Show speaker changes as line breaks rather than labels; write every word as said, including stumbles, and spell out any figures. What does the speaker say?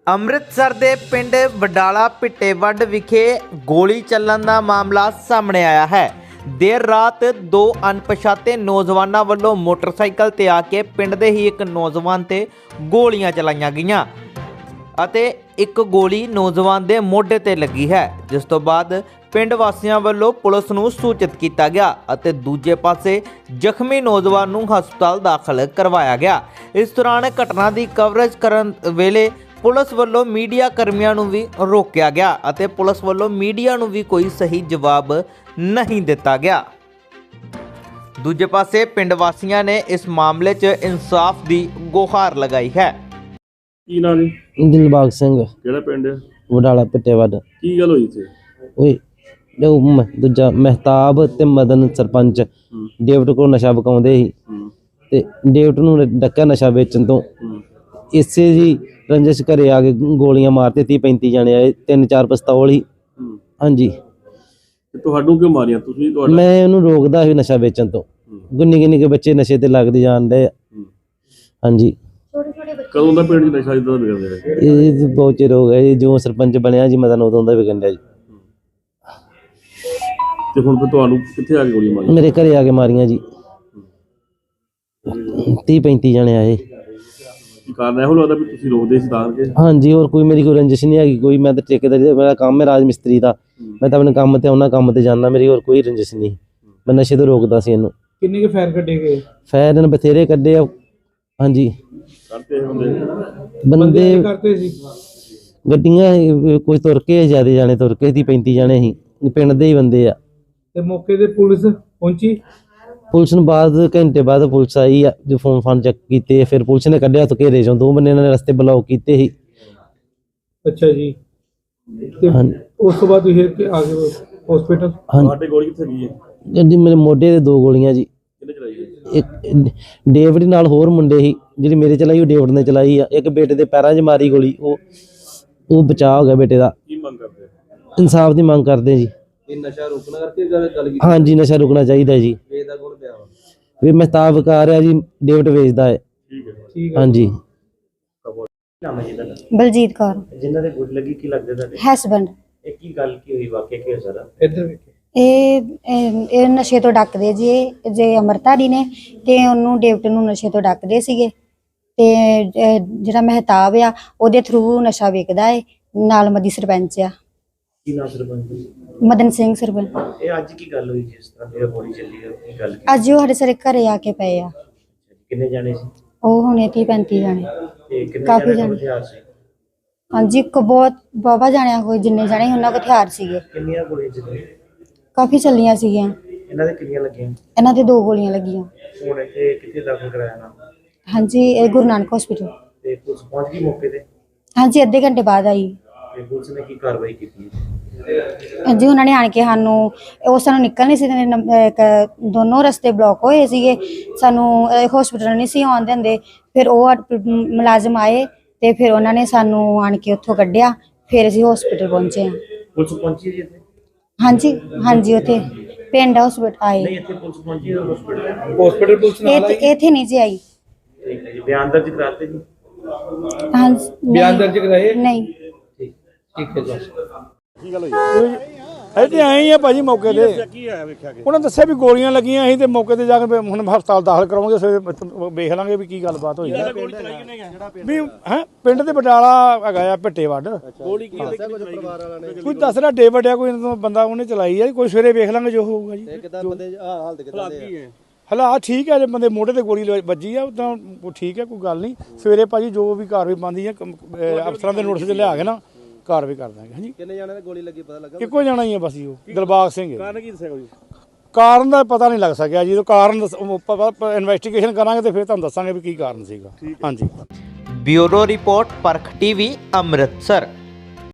ਅੰਮ੍ਰਿਤਸਰ ਦੇ ਪਿੰਡ ਵਡਾਲਾ ਭਿੱਟੇਵੱਡ ਵਿਖੇ ਗੋਲੀ ਚੱਲਣ ਦਾ ਮਾਮਲਾ ਸਾਹਮਣੇ ਆਇਆ ਹੈ। ਦੇਰ ਰਾਤ ਦੋ ਅਣਪਛਾਤੇ ਨੌਜਵਾਨਾਂ ਵੱਲੋਂ ਮੋਟਰਸਾਈਕਲ ਤੇ ਆ ਕੇ ਪਿੰਡ ਦੇ ਹੀ ਇੱਕ ਨੌਜਵਾਨ ਤੇ ਗੋਲੀਆਂ ਚਲਾਈਆਂ ਗਈਆਂ ਅਤੇ ਇੱਕ ਗੋਲੀ ਨੌਜਵਾਨ ਦੇ ਮੋਢੇ ਤੇ ਲੱਗੀ ਹੈ, ਜਿਸ ਤੋਂ ਬਾਅਦ ਪਿੰਡ ਵਾਸੀਆਂ ਵੱਲੋਂ ਪੁਲਿਸ ਨੂੰ ਸੂਚਿਤ ਕੀਤਾ ਗਿਆ ਅਤੇ ਦੂਜੇ ਪਾਸੇ ਜ਼ਖਮੀ ਨੌਜਵਾਨ ਨੂੰ ਹਸਪਤਾਲ ਦਾਖਲ ਕਰਵਾਇਆ ਗਿਆ। ਇਸ ਦੌਰਾਨ ਘਟਨਾ ਦੀ ਕਵਰੇਜ ਕਰਨ ਵੇਲੇ ਪੁਲਿਸ ਵੱਲੋਂ ਮੀਡੀਆ ਕਰਮੀਆਂ ਨੂੰ ਵੀ ਰੋਕਿਆ ਗਿਆ ਅਤੇ ਪੁਲਿਸ ਵੱਲੋਂ ਮੀਡੀਆ ਨੂੰ ਵੀ ਕੋਈ ਸਹੀ ਜਵਾਬ ਨਹੀਂ ਦਿੱਤਾ ਗਿਆ। ਦੂਜੇ ਪਾਸੇ ਪਿੰਡ ਵਾਸੀਆਂ ਨੇ ਇਸ ਮਾਮਲੇ 'ਚ ਇਨਸਾਫ ਦੀ ਗੁਹਾਰ ਲਗਾਈ ਹੈ।
ਕੀ ਨਾਂ ਜੀ?
ਦਿਲਬਾਗ ਸਿੰਘ।
ਕਿਹੜਾ ਪਿੰਡ ਹੈ?
ਵਡਾਲਾ ਭਿੱਟੇਵੱਡ।
ਕੀ ਗੱਲ ਹੋਈ ਇੱਥੇ?
ਓਏ ਜੋ ਮ- ਦੂਜਾ ਮਹਿਤਾਬ ਤੇ ਮਦਨ ਸਰਪੰਚ ਡੇਵਿਡ ਕੋਲ ਨਸ਼ਾ ਵਿਕਾਉਂਦੇ ਸੀ ਤੇ ਡੇਵਿਡ ਨੂੰ ਡੱਕਿਆ ਨਸ਼ਾ ਵੇਚਣ ਤੋਂ। ਇਸੇ ਜੀ ਰੰਜਿਸ਼ ਘਰੇ ਆ ਕੇ ਗੋਲੀਆਂ ਮਾਰਤੇ। ਤੀਹ ਪੈਂਤੀ ਜਾਣੇ ਆਏ, ਤਿੰਨ ਚਾਰ ਪਿਸਤੌਲ ਹੀ। ਹਾਂਜੀ,
ਤੇ ਤੁਹਾਨੂੰ ਕਿਉਂ ਮਾਰੀਆਂ ਤੁਸੀਂ? ਤੁਹਾਡਾ
ਮੈਂ ਉਹਨੂੰ ਰੋਕਦਾ ਸੀ ਨਸ਼ਾ ਵੇਚਣ ਤੋਂ। ਗੁੰਨੀ ਗੁੰਨੀ ਕੇ ਬੱਚੇ ਨਸ਼ੇ ਤੇ ਲੱਗਦੇ ਜਾਣ ਡਏ ਆ। ਹਾਂਜੀ,
ਕਦੋਂ ਦਾ ਪਿੰਡ 'ਚ ਨਸ਼ਾ ਇਦਾਂ ਦਾ ਵਿਗੜਦਾ ਹੈ?
ਇਹ ਬਹੁਤ ਚਿਰ ਹੋ ਗਿਆ ਜੀ, ਜੋ ਸਰਪੰਚ ਬਣਿਆ ਜੀ ਮਦਨ ਉਦੋਂ ਦਾ ਵਿਕਣ ਡਿਆ ਜੀ।
ਤੇ ਹੁਣ ਫਿਰ ਤੁਹਾਨੂੰ ਕਿੱਥੇ ਆ ਕੇ ਗੋਲੀਆਂ ਮਾਰੀਆਂ?
ਮੇਰੇ ਘਰੇ ਆ ਕੇ ਮਾਰੀਆਂ ਜੀ। ਤੀਹ ਪੈਂਤੀ ਜਣੇ ਆਏ।
ਕੀ ਕਾਰਨ ਇਹੋ ਲੱਗਦਾ ਵੀ ਤੁਸੀਂ ਰੋਕਦੇ ਸੀ ਤਾਂ ਕਿ?
ਹਾਂਜੀ, ਹੋਰ ਕੋਈ ਮੇਰੀ ਕੋਈ ਰੰਜਿਸ਼ ਨਹੀਂ ਹੈਗੀ ਕੋਈ। ਮੈਂ ਤਾਂ ਠੇਕੇਦਾਰੀ ਦਾ ਮੇਰਾ ਕੰਮ ਹੈ ਰਾਜ ਮਿਸਤਰੀ ਦਾ। ਮੈਂ ਤਾਂ ਆਪਣੇ ਕੰਮ ਤੇ ਉਹਨਾਂ ਕੰਮ ਤੇ ਜਾਂਦਾ। ਮੇਰੀ ਹੋਰ ਕੋਈ ਰੰਜਿਸ਼ ਨਹੀਂ। ਮੈਂ ਨਸ਼ੇ ਤੋਂ ਰੋਕਦਾ ਸੀ ਇਹਨੂੰ।
ਕਿੰਨੇ ਕੇ ਫਾਇਰ ਕੱਢੇ ਗਏ?
ਫਾਇਰ ਇਹਨੇ ਬਥੇਰੇ ਕੱਢੇ ਆ। ਹਾਂਜੀ,
ਕਰਦੇ ਹੁੰਦੇ
ਬੰਦੇ
ਕਰਦੇ ਸੀ।
ਗੱਡੀਆਂ ਅਹ, ਕੋਈ ਤੁਰ ਕੇ ਜ਼ਿਆਦਾ ਜਾਣੇ ਤੁਰ ਕੇ ਤੀਹ ਪੈਂਤੀ ਜਾਣੇ ਸੀ। ਪਿੰਡ ਦੇ ਹੀ ਬੰਦੇ ਆ।
ਤੇ ਮੌਕੇ ਤੇ ਪੁਲਿਸ ਪਹੁੰਚੀ?
ਪੁਲਿਸ ਨੂੰ ਬਾਅਦ ਘੰਟੇ ਬਾਅਦ ਪੁਲਿਸ ਆਈ ਆ, ਜੋ ਫੋਨ ਫਾਨ ਚੈੱਕ ਕੀਤੇ। ਫਿਰ ਪੁਲਿਸ ਨੇ ਕੱਢਿਆ ਤੋਂ ਘੇਰੇ ਚੋਂ। ਦੋ ਬੰਦੇ ਇਹਨਾਂ ਨੇ ਰਸਤੇ ਬਲੌਕ ਕੀਤੇ ਸੀ।
ਅੱਛਾ ਜੀ। ਤੇ
ਹਾਂਜੀ।
ਉਸ ਤੋਂ ਬਾਅਦ ਤੁਸੀਂ ਇੱਥੇ ਆ ਗਏ ਹਸਪੀਟਲ?
ਹਾਂਜੀ,
ਤੁਹਾਡੇ ਗੋਲੀ ਕਿੱਥੇ ਗਈ ਹੈ?
ਗੱਡੀ ਮੇਰੇ ਮੋਢੇ ਤੇ ਦੋ ਗੋਲੀਆਂ ਜੀ।
ਕਿਹਨੇ ਚਲਾਈ ਹੈ?
ਇੱਕ ਡੇਵਿਡ ਨਾਲ ਹੋਰ ਮੁੰਡੇ ਸੀ। ਜਿਹੜੀ ਮੇਰੇ ਚਲਾਈ ਉਹ ਡੇਵਿਡ ਨੇ ਚਲਾਈ ਆ। ਇੱਕ ਬੇਟੇ ਦੇ ਪੈਰਾਂ 'ਚ ਮਾਰੀ ਗੋਲੀ। ਉਹ ਉਹ ਬਚਾਅ ਹੋ ਗਿਆ ਬੇਟੇ ਦਾ।
ਕੀ ਮੰਗ ਕਰਦੇ ਹੋ?
ਇਨਸਾਫ ਦੀ ਮੰਗ ਕਰਦੇ ਜੀ।
ਇਹ ਨਸ਼ਾ ਰੋਕਣਾ ਕਰਕੇ ਗੱਲ ਕੀਤੀ?
ਹਾਂਜੀ, ਨਸ਼ਾ ਰੁਕਣਾ ਚਾਹੀਦਾ ਜੀ।
ਵੇਚਦਾ ਕੋਲ ਪਿਆ ਵਾ?
ਵੀ ਮਹਿਤਾਬ ਵਿਕਾਰ ਆ ਜੀ, ਡੇਵਿਡ ਵੇਚਦਾ ਹੈ।
ਠੀਕ ਹੈ।
ਠੀਕ ਹੈ।
ਹਾਂਜੀ।
ਬਲਜੀਤ ਕੌਰ।
ਜਿਨ੍ਹਾਂ ਦੇ ਗੋਲੀ ਲੱਗੀ ਕੀ ਲੱਗਦੇ ਤੁਹਾਡੇ?
ਹਸਬੈਂਡ।
ਇਹ ਕੀ ਗੱਲ ਕੀ ਹੋਈ, ਵਾਕਿਆ ਕੀ ਹੋਇਆ ਸਾਰਾ?
ਇੱਧਰ ਵੇਖੇ।
ਇਹ ਇਹ ਇਹ ਨਸ਼ੇ ਤੋਂ ਡੱਕਦੇ ਜੀ। ਇਹ ਜੇ ਅਮਰਤਾਰੀ ਨੇ ਤੇ ਉਹਨੂੰ ਡੇਵਿਡ ਨੂੰ ਨਸ਼ੇ ਤੋਂ ਡੱਕਦੇ ਸੀਗੇ ਤੇ ਅਹ, ਜਿਹੜਾ ਮਹਿਤਾਬ ਆ ਉਹਦੇ ਥਰੂ ਨਸ਼ਾ ਵੇਚਦਾ ਹੈ। ਨਾਲ ਮਦੀ ਸਰਪੰਚ ਆ
ਕੀ ਨਾਮ ਸਰਪੰਚ ਜੀ?
ਮਦਨ ਸਿੰਘ ਸਰਪੰਚ।
ਇਹ ਅੱਜ ਕੀ ਗੱਲ ਹੋਈ ਜਿਸ ਤਰ੍ਹਾਂ ਮੇਰਾ ਗੋਲੀ ਚੱਲੀ ਹੈ, ਕੀ ਗੱਲ ਕੀ?
ਅੱਜ ਉਹ ਸਾਡੇ ਸਾਰੇ ਘਰੇ ਆ ਕੇ ਪਏ ਆ।
ਕਿੰਨੇ ਜਾਣੇ ਸੀ?
ਉਹ ਹੁਣੇ ਤੀਹ ਪੈਂਤੀ ਜਾਣੇ।
ਤੇ ਕਿੰਨੇ
ਕਾਫੀ
ਜਾਣੇ
ਜਾਣੇ।
ਕੋਲ ਹਥਿਆਰ ਸੀ?
ਹਾਂਜੀ, ਇੱਕ ਬਹੁਤ ਬਾਬਾ ਜਾਣਿਆ ਕੋਈ ਜਿੰਨੇ ਜਾਣੇ ਉਹਨਾਂ ਕੋਲ ਹਥਿਆਰ ਸੀਗੇ।
ਕਿੰਨੀਆਂ ਗੋਲੀਆਂ ਚੱਲੀਆਂ?
ਕਾਫੀ ਚੱਲੀਆਂ ਸੀਗੀਆਂ।
ਇਹਨਾਂ ਦੇ ਕਿੰਨੀਆਂ ਲੱਗੀਆਂ?
ਇਹਨਾਂ ਦੇ ਦੋ ਗੋਲੀਆਂ ਲੱਗੀਆਂ।
ਹੁਣ ਇੱਥੇ ਕਿੱਥੇ ਦਾਖਲ ਕਰਾਇਆ ਨਾ?
ਹਾਂਜੀ, ਇਹ ਗੁਰੂ ਨਾਨਕ ਹਸਪੀਟਲ।
ਤੇ ਪੁਲਿਸ ਪਹੁੰਚ ਗਈ ਮੌਕੇ ਤੇ?
ਹਾਂਜੀ, ਅੱਧੇ ਘੰਟੇ ਬਾਅਦ ਆਈ।
ਤੇ ਪੁਲਿਸ ਨੇ ਕੀ ਕਾਰਵਾਈ ਕੀਤੀ?
ਜੀ ਉਹਨਾਂ ਨੇ ਆਣ ਕੇ ਸਾਨੂੰ ਉਹ ਸਾਨੂੰ ਨਿਕਲ ਨਹੀਂ ਸੀ ਦਿੰਦੇ। ਇੱਕ ਦੋਨੋਂ ਰਸਤੇ ਬਲੌਕ ਹੋਏ ਸੀਗੇ। ਸਾਨੂੰ ਹਸਪੀਟਲ ਨਹੀਂ ਸੀ ਆਉਣ ਦਿੰਦੇ। ਫਿਰ ਉਹ ਮੁਲਾਜ਼ਮ ਆਏ ਤੇ ਫਿਰ ਉਹਨਾਂ ਨੇ ਸਾਨੂੰ ਆਣ ਕੇ ਉੱਥੋਂ ਕੱਢਿਆ। ਫਿਰ ਅਸੀਂ ਹਸਪੀਟਲ ਪਹੁੰਚੇ ਹਾਂ।
ਪੁਲਿਸ ਪਹੁੰਚੀ ਜੀ ਇੱਥੇ?
ਹਾਂਜੀ ਹਾਂਜੀ, ਉੱਥੇ ਪਿੰਡ ਹਸਪੀਟਲ ਆਏ।
ਨਹੀਂ, ਇੱਥੇ ਪੁਲਿਸ ਪਹੁੰਚੀ ਹਸਪੀਟਲ?
ਹਸਪੀਟਲ ਪੁਲਿਸ ਨਾਲ ਆਈ?
ਇੱਥੇ ਇੱਥੇ ਨਹੀਂ ਜੀ ਆਈ।
ਠੀਕ ਹੈ ਜੀ। ਬਿਆਨ ਦਰਜ ਕਰਾਤੇ ਜੀ?
ਹਾਂਜੀ,
ਬਿਆਨ ਦਰਜ ਕਰਾਏ?
ਨਹੀਂ।
ਠੀਕ
ਠੀਕ ਹੈ ਜੀ।
ਕੀ ਗੱਲ ਹੋਈ?
ਇੱਥੇ ਆਏ ਹੀ ਆ ਭਾਜੀ ਮੌਕੇ ਤੇ।
ਕੀ ਹੋਇਆ ਵੇਖਿਆ ਕਿ?
ਉਹਨਾਂ ਦੱਸਿਆ ਵੀ ਗੋਲੀਆਂ ਲੱਗੀਆਂ ਸੀ ਤੇ ਮੌਕੇ ਤੇ ਜਾ ਕੇ ਹੁਣ ਹਸਪਤਾਲ ਦਾਖਲ ਕਰਾਵਾਂਗੇ। ਫਿਰ ਵੇਖ ਲਾਂਗੇ ਵੀ ਕੀ ਗੱਲਬਾਤ ਹੋਈ ਹੈ। ਵੀ ਹੈ ਪਿੰਡ ਦੇ ਬਟਾਲਾ ਹੈਗਾ ਆ ਭਿੱਟੇਵੱਡ।
ਗੋਲੀ ਕੀ ਲੱਗੀ ਪਰਿਵਾਰ ਵਾਲਿਆਂ ਨੇ?
ਕੋਈ ਦੱਸ ਰਿਹਾ ਡੇਵਿਡ ਆ ਕੋਈ ਇਹਨਾਂ ਤੋਂ ਬੰਦਾ ਉਹਨੇ ਚਲਾਈ ਆ। ਕੋਈ ਸਵੇਰੇ ਵੇਖ ਲਾਂਗੇ ਜੋ ਹੋਊਗਾ ਜੀ।
ਕਿਦਾਂ ਬੰਦੇ ਹਾਲਤ ਕਿਦਾਂ ਦੇ ਆ?
ਹਾਲਾਤ ਠੀਕ ਹੈ। ਜੇ ਬੰਦੇ ਮੋਢੇ ਤੇ ਗੋਲੀ ਵੱਜੀ ਆ ਤਾਂ ਉਹ ਠੀਕ ਹੈ, ਕੋਈ ਗੱਲ ਨਹੀਂ। ਸਵੇਰੇ ਭਾਜੀ ਜੋ ਵੀ ਕਾਰਵਾਈ ਬਣਦੀ ਹੈ ਅਫਸਰਾਂ ਦੇ ਨੋਟਿਸ 'ਚ ਲਿਆ ਕੇ ਨਾ ਕਾਰਵਾਈ ਕਰ ਦਾਂਗੇ। ਹਾਂਜੀ,
ਕਿੰਨੇ ਜਾਣੇ ਦੀ ਗੋਲੀ ਲੱਗੀ ਪਤਾ ਲੱਗਾ?
ਇੱਕੋ ਜਾਣਾ ਹੀ ਆ ਬਸ ਜੀ, ਉਹ ਦਿਲਬਾਗ ਸਿੰਘ।
ਕਾਰਨ ਕੀ ਦੱਸਿਆ ਕੋਈ?
ਕਾਰਨ ਦਾ ਪਤਾ ਨਹੀਂ ਲੱਗ ਸਕਿਆ ਜੀ। ਕਾਰਨ ਇਨਵੈਸਟੀਗੇਸ਼ਨ ਕਰਾਂਗੇ ਤੇ ਫਿਰ ਤੁਹਾਨੂੰ ਦੱਸਾਂਗੇ ਵੀ ਕੀ ਕਾਰਨ ਸੀਗਾ। ਹਾਂਜੀ।
Bureau report Parakh TV Amritsar.